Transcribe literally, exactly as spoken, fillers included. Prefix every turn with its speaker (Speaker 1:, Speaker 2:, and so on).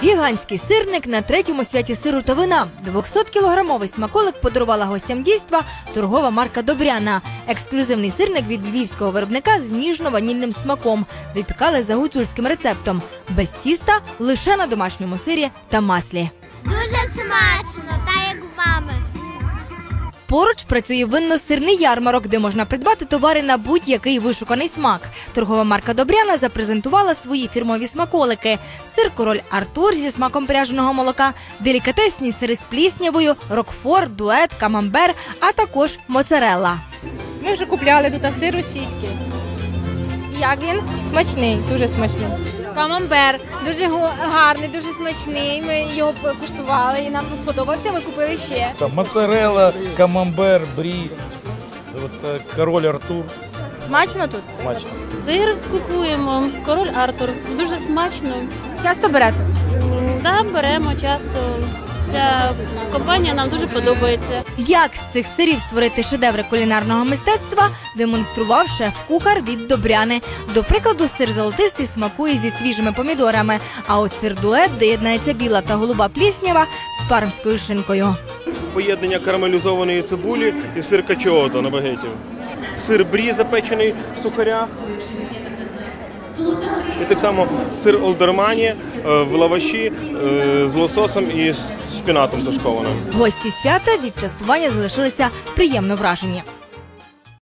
Speaker 1: Гігантський сирник на третьому святі сиру та вина. двохсоткілограмовий смаколик подарувала гостям дійства торгова марка «Добряна». Ексклюзивний сирник від львівського виробника з ніжно-ванільним смаком. Випікали за гуцульським рецептом. Без тіста, лише на домашньому сирі та маслі.
Speaker 2: Дуже смачно, так як в мами.
Speaker 1: Поруч працює винно-сирний ярмарок, де можна придбати товари на будь-який вишуканий смак. Торгова марка «Добряна» запрезентувала свої фірмові смаколики. Сир «Король Артур» зі смаком пряженого молока, делікатесні сири з пліснявою, рокфор, дует, камамбер, а також моцарелла.
Speaker 3: Ми вже купляли тут сир російський. Як він? Смачний, дуже смачний.
Speaker 4: Камамбер дуже гарний, дуже смачний. Ми його куштували і нам сподобався. Ми купили ще.
Speaker 5: Там моцарелла, камамбер, брі, от, король Артур.
Speaker 3: Смачно тут?
Speaker 5: Смачно.
Speaker 6: Сир купуємо, король Артур. Дуже смачно.
Speaker 3: Часто берете?
Speaker 6: Так, беремо часто. Ця компанія нам дуже подобається.
Speaker 1: Як з цих сирів створити шедеври кулінарного мистецтва, демонстрував шеф-кухар від «Добряни». До прикладу, сир золотистий смакує зі свіжими помідорами, а от сир-дует, де єднається біла та голуба пліснява, з пармською шинкою.
Speaker 7: Поєднання карамелізованої цибулі і сир качоото на багеті. Сир брі запечений в сухарях. І так само сир олдермані в лаваші з лососом і з шпінатом тушкованим.
Speaker 1: Гості свята від частування залишилися приємно вражені.